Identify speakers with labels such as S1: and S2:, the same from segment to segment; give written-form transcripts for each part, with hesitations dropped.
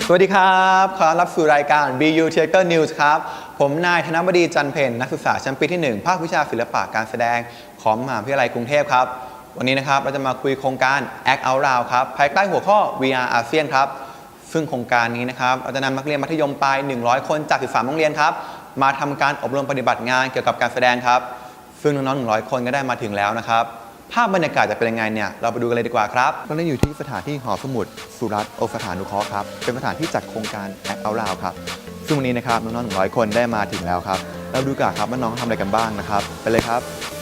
S1: สวัสดีครับขอรับสู่รายการ BU Theater News ครับผมนายธนบดีจันเพ็ญนักศึกษาชั้นปีที่ 1 ภาควิชาศิลปะการแสดงของมหาวิทยาลัยกรุงเทพครับวันนี้นะครับเราจะมาคุยโครงการ Act Out Loud ครับภายใต้หัวข้อ VR ASEAN ครับซึ่งโครงการนี้นะครับเราจะนำนักเรียนมัธยมปลาย100 คนจาก13โรงเรียนครับมาทำการอบรมปฏิบัติงานเกี่ยวกับการแสดงครับซึ่งน้องๆ100 คนก็ได้มาถึงแล้วนะครับภาพบรรยากาศจะเป็นยังไงเนี่ยเราไปดูกันเลยดีกว่าครับเราได้อยู่ที่สถานที่หอสมุดสุรัตน์โอสถานุเคราะห์ครับเป็นสถานที่จัดโครงการ Act Out Loud ครับซึ่งวันนี้นะครับน้องๆ100 คนได้มาถึงแล้วครับเราดูกันครับว่าน้องทำอะไรกันบ้างนะครับไปเลยครับ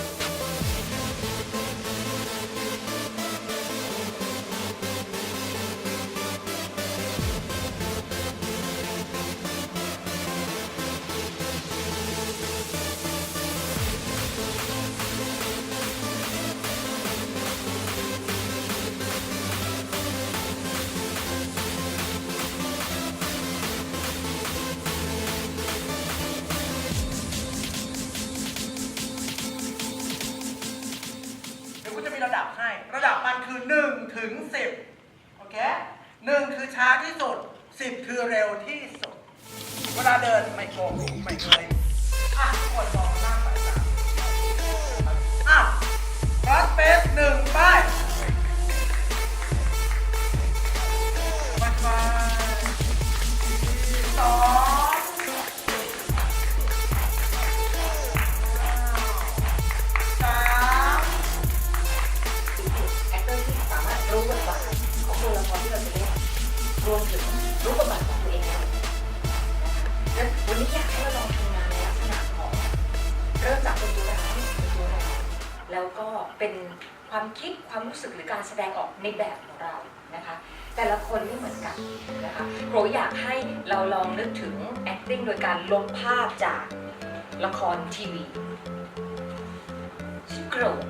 S2: ระดับให้ระดับมันคือ1 ถึง 10โอเค1คือช้าที่สุด10คือเร็วที่สุดเวลาเดินไม่โกงไม่เคยคนมองหน้าสายตารัดเฟส1ไปมา2
S3: รู้บทบาทของตัวละครที่เราจะเล่นรวมถึงรู้บทบาทของตัวเองแล้วและวันนี้อยากให้เราลองทำงานในลักษณะของเริ่มจากเป็นตัวร้ายแล้วก็เป็นความคิดความรู้สึกหรือการแสดงออกในแบบของเรานะคะแต่ละคนไม่เหมือนกันนะคะโปรอยากให้เราลองนึกถึง acting โดยการลบภาพจากละครทีวีชื่อโกรธ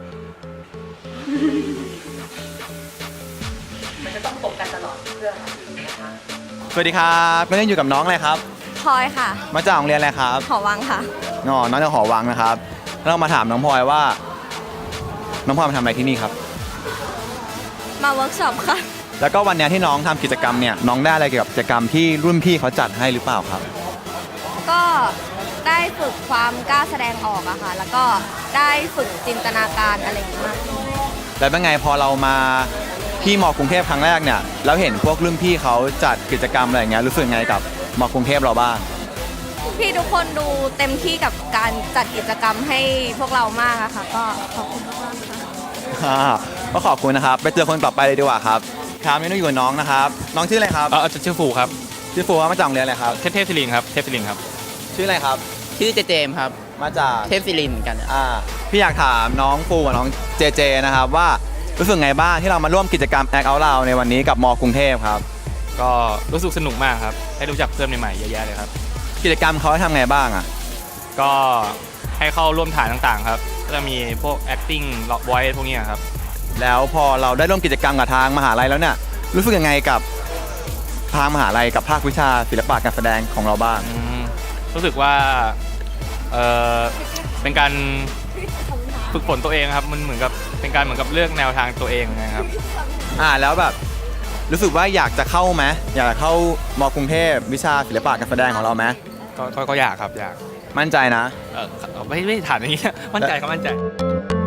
S3: มันจะต้องตกกันตลอดเพื่อนะคะ
S1: สวัสดีครับไม่ได้อยู่กับน้องอะไรครับ
S4: พลอยค่ะ
S1: มาจากโรงเรียนอะไรครับ
S4: หอวังค่ะ
S1: น้องจากหอวังนะครับเรามาถามน้องพลอยว่าน้องพลอยมาทำอะไรที่นี่ครับ
S4: มาเวิร์กช็อปค่ะ
S1: แล้วก็วันนี้ที่น้องทำกิจกรรมเนี่ยน้องได้อะไรเกี่ยวกับกิจกรรมที่รุ่นพี่เขาจัดให้หรือเปล่าครับ
S4: ก็ได้ฝึกความกล้าแสดงออกอะค่ะแล้วก็ได้ฝึกจินตนาการอะไรอย่างเงี้ย
S1: แล้วเป็นไงพอเรามาที่ม.กรุงเทพครั้งแรกเนี่ยแล้วเห็นพวกรุ่นพี่เขาจัดกิจกรรมอะไรอย่างเงี้ยรู้สึกไงกับม.กรุงเทพเราบ้าง
S4: พี่ทุกคนดูเต็มที่กับการจัดกิจกรรมให้พวกเรามากอะค่ะก็ขอบคุณมากค่ะ
S1: ก็ขอบคุณนะครับไปเจอคนต่อไปเลยดีกว่าครับครับนี่ต้องอยู่กับน้องนะครับน้องชื่ออะไรครับ
S5: ชื่อฟูครับ
S1: ชื่อฟูมาจากโรงเรียนอะไรครับ
S5: เทพศิรินครับเทพศิรินครับ
S1: ชื่ออะไรครับ
S6: ชื่อเจมครับ
S1: มาจาก
S6: เทพศิรินเหมือนกัน
S1: พี่อยากถามน้องฟูกับน้องเจนะครับว่ารู้สึกไงบ้างที่เรามาร่วมกิจกรรม Act Out Loud ในวันนี้กับม.กรุงเทพครับ
S5: ก็รู้สึกสนุกมากครับให้รู้จักเพื่อนใหม่ๆเยอะแยะเลยครับ
S1: กิจกรรมเขาให้ทำไงบ้าง
S5: ก็ให้เข้าร่วมถ่ายต่างๆครับก็จะมีพวก acting voice พวกนี้ครับ
S1: แล้วพอเราได้ร่วมกิจกรรมกับทางมหาลัยแล้วเนี่ยรู้สึกยังไงกับทางมหาลัยกับภาควิชาศิลปะการแสดงของเราบ้าง
S5: รู้สึกว่าเป็นการฝึกฝนตัวเองครับมันเหมือนกับเป็นการเหมือนกับเลือกแนวทางตัวเองนะครับ
S1: แล้วแบบรู้สึกว่าอยากจะเข้าไหมอยากเข้าม.กรุงเทพวิชาศิลปะการแสดงของเราไหม
S5: ก็อยากครับอยาก
S1: มั่นใจนะ
S5: ไม่ถามอย่างนี้มั่นใจครับมั่นใจ